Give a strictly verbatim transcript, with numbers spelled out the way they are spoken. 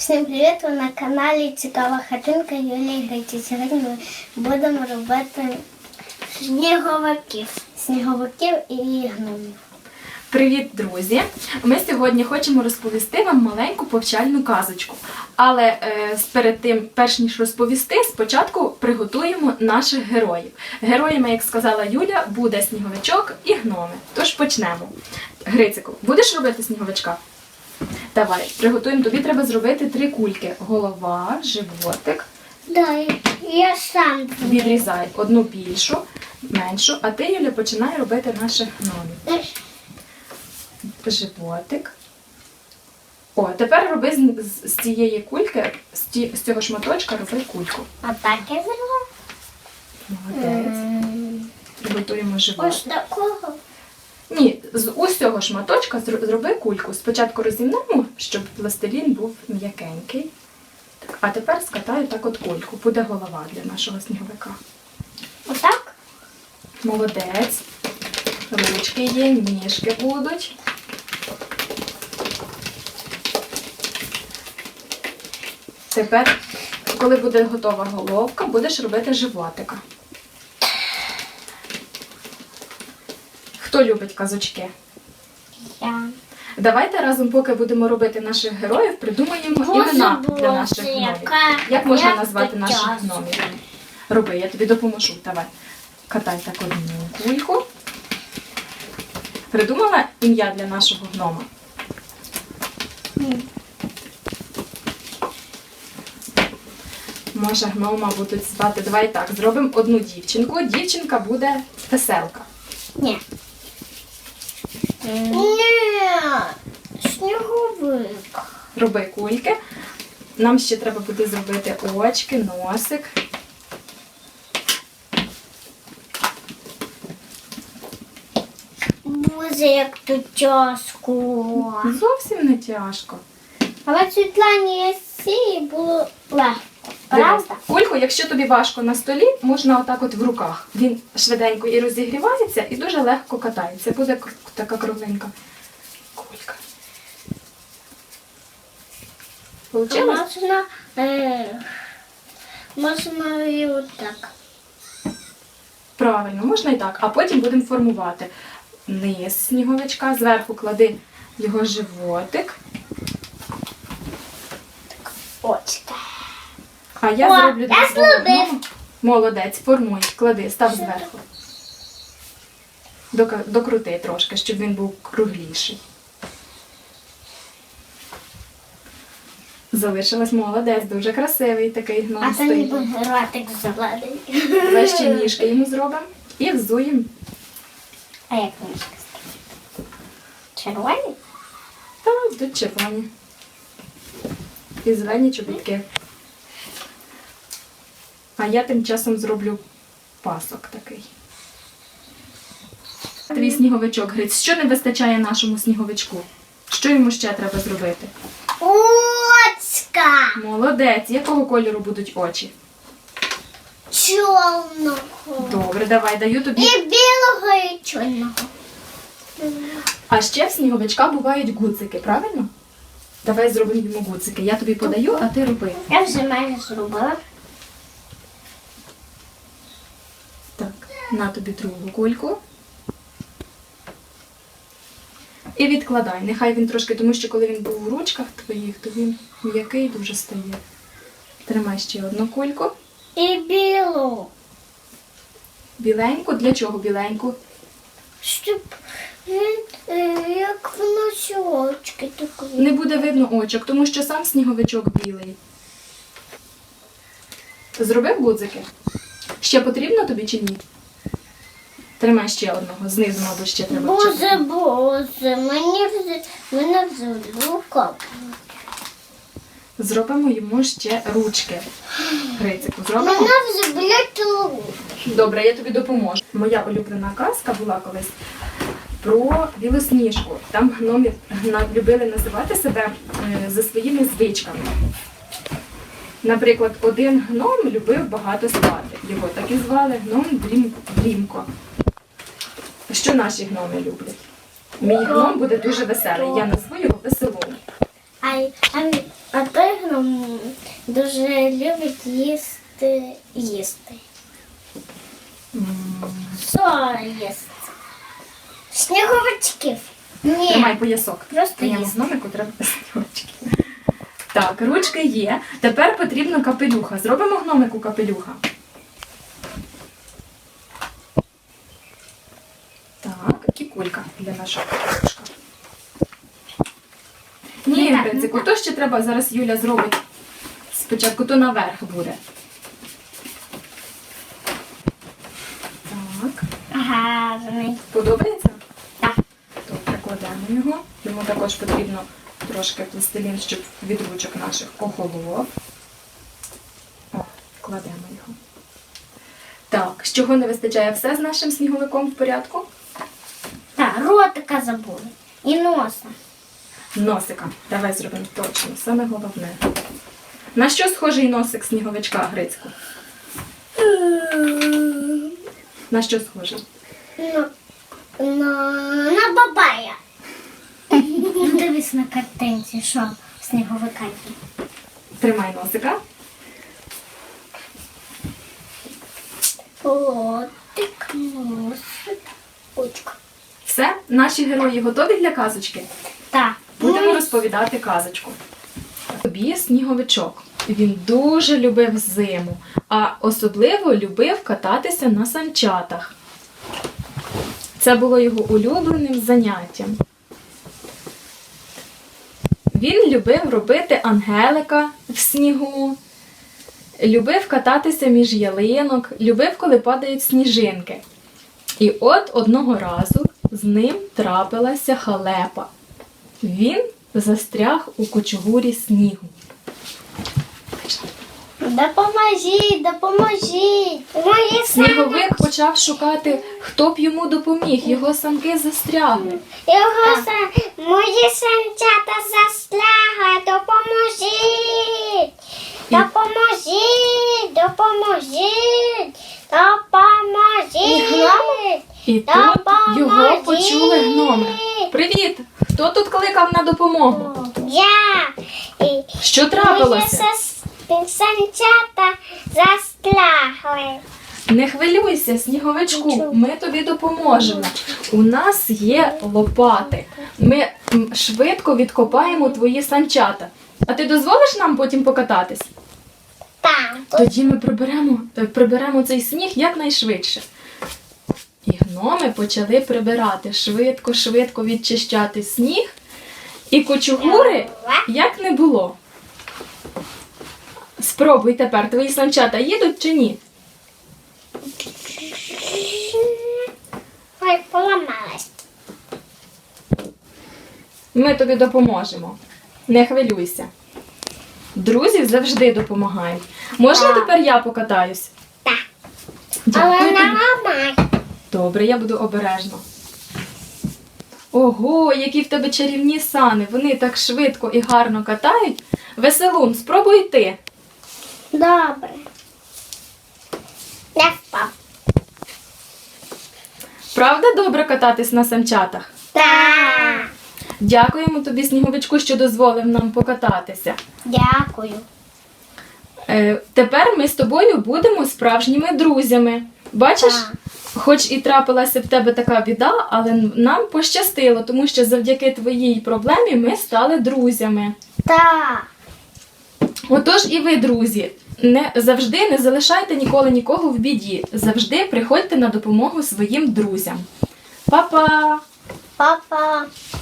Всім привіт! Ви на каналі Цікава хатинка Юлії Гриці. Сьогодні ми будемо робити сніговиків. Сніговиків і гномів. Привіт, друзі! Ми сьогодні хочемо розповісти вам маленьку повчальну казочку. Але е, перед тим, перш ніж розповісти, спочатку приготуємо наших героїв. Героями, як сказала Юля, буде сніговичок і гноми. Тож почнемо. Грицику, будеш робити сніговичка? Давай, приготуємо. Тобі треба зробити три кульки. Голова, животик. Да, я сам. Відрізай одну більшу, меншу, а ти, Юля, починай робити наших гномів. Животик. О, тепер роби з, з, з цієї кульки, з, ті, з цього шматочка роби кульку. Отак я зробила. Молодець. Приготуємо животик. Ось такого. Ні, з усього шматочка зро- зроби кульку. Спочатку розімнемо, щоб пластилін був м'якенький. Так, а тепер скатаю так от кульку. Буде голова для нашого сніговика. Отак? Молодець. Ручки є, ніжки будуть. Тепер, коли буде готова головка, будеш робити животика. Хто любить казочки? Я. Давайте разом, поки будемо робити наших героїв, придумаємо Боже, імена для Боже, наших гномів. яка- Як можна як назвати ти наших часу. гномів? Роби, я тобі допоможу. Давай. Катай так одну кульку. Придумала ім'я для нашого гнома? Може, гнома будуть звати. Давай так, зробимо одну дівчинку. Дівчинка буде веселка. Ні. Ні. Сніговик. Роби кульки. Нам ще треба буде зробити очки, носик. Боже, як тут тяжко. Зовсім не тяжко. Але Світлані Сії було легко. Дивись, Правда? кульку, якщо тобі важко на столі, можна отак от в руках. Він швиденько і розігрівається, і дуже легко катається. Буде к- така кругленька кулька. Получилось? Можна, е, можна і отак. Правильно, можна і так. А потім будемо формувати низ сніговичка, зверху клади його животик. Очка. А я О, зроблю для я свого зробив. гнома. Молодець, формуй, клади, став зверху. Дока- Докрути трошки, щоб він був кругліший. Залишилась молодець, дуже красивий такий А гном то стоїть. ніби ротик зелений. Давай ще ніжки йому зробимо і взуємо. А як ніжки? Червоні? Та тут червоні. І зелені чобітки. А я тим часом зроблю пасок такий. Твій сніговичок, Гриць. Що не вистачає нашому сніговичку? Що йому ще треба зробити? Очка! Молодець. Якого кольору будуть очі? Чорного. Добре, давай, даю тобі. І білого, і чорного. А ще в сніговичка бувають гудзики, правильно? Давай зробимо йому гудзики. Я тобі подаю, а ти роби. Я вже майже зробила. Так, на тобі другу кульку. І відкладай. Нехай він трошки, тому що коли він був в ручках твоїх, то він м'який дуже стає. Тримай ще одну кульку. І білу. Біленьку. Для чого біленьку? Щоб він, е, як в носочки такі. Не буде видно очок, тому що сам сніговичок білий. Зробив гудзики? Ще потрібно тобі чи ні? Тримай ще одного. Знизу, мабуть, ще треба. Боже, вчепити. боже, мені вже, мене вже рука. Зробимо йому ще ручки. Грицику, зробимо? Мене вже болять руки. Добре, я тобі допоможу. Моя улюблена казка була колись про білосніжку. Там гноми гна- любили називати себе е, за своїми звичками. Наприклад, один гном любив багато спати. Його так і звали гном Дрім- Дрімко. Що наші гноми люблять? Мій гном буде дуже веселий. Я назву його Веселом. А, а, а той гном дуже любить їсти їсти. Що їсти? Сніговичків. Ні. Тримай поясок. Просто Твоєму їсти. гномику треба снігочки. Так, ручки є. Тепер потрібно капелюха. Зробимо гномику капелюха. Так, кікулька для нашого капелюшка. Ні, Не так, Грицику, не то ще треба, зараз Юля зробить спочатку, то наверх буде. Так, Гарний. подобається? Так. То прикладемо його. Йому також потрібно трошки пластилін, щоб від ручок наших охолов. О, кладемо його. Так, з чого не вистачає, все з нашим сніговиком в порядку? Так, ротика забули. І носа. Носика. Давай зробимо точно, саме головне. На що схожий носик сніговичка, Грицьку? На що схожий? На, на, на бабая. Ну, дивись на картинці, що сніговика є. Тримай носика. Ротик, носик, очка. Все, наші герої готові для казочки? Так. Будемо Ну, розповідати казочку. Тобі сніговичок. Він дуже любив зиму, а особливо любив кататися на санчатах. Це було його улюбленим заняттям. Він любив робити ангелика в снігу, любив кататися між ялинок, любив, коли падають сніжинки. І от одного разу з ним трапилася халепа. Він застряг у кучугурі снігу. Допоможіть, допоможіть. Мої Сніговик почав шукати, хто б йому допоміг. Його санки застрягли. Його са... Мої санчата застрягли. Допоможіть. І- Допоможіть, допоможіть, допоможіть. І тут його почули гноми. Привіт! Хто тут кликав на допомогу? Я. І Що мої трапилося? сас- санчата застрягли. Не хвилюйся, сніговичку, ми тобі допоможемо. У нас є лопати. Ми м, швидко відкопаємо твої санчата. А ти дозволиш нам потім покататись? Так. Тоді ми приберемо, е, приберемо цей сніг якнайшвидше. І гноми почали прибирати, швидко-швидко відчищати сніг. І кучугури як не було. Спробуй тепер, твої санчата їдуть чи ні? Ой, поламалась. Ми тобі допоможемо. Не хвилюйся. Друзі завжди допомагають. Можна Так. тепер я покатаюсь? Так. Дякую Але тобі. не ламай. Добре, я буду обережно. Ого, які в тебе чарівні сани. Вони так швидко і гарно катають. Веселун, спробуй ти. Добре. Я впав. Правда добре кататись на санчатах? Так. Дякуємо тобі, сніговичку, що дозволив нам покататися. Дякую. Е, тепер ми з тобою будемо справжніми друзями. Бачиш, Так. хоч і трапилася в тебе така біда, але нам пощастило, тому що завдяки твоїй проблемі ми стали друзями. Так. Отож і ви, друзі, не завжди не залишайте ніколи нікого в біді. Завжди приходьте на допомогу своїм друзям. Па-па! Папа.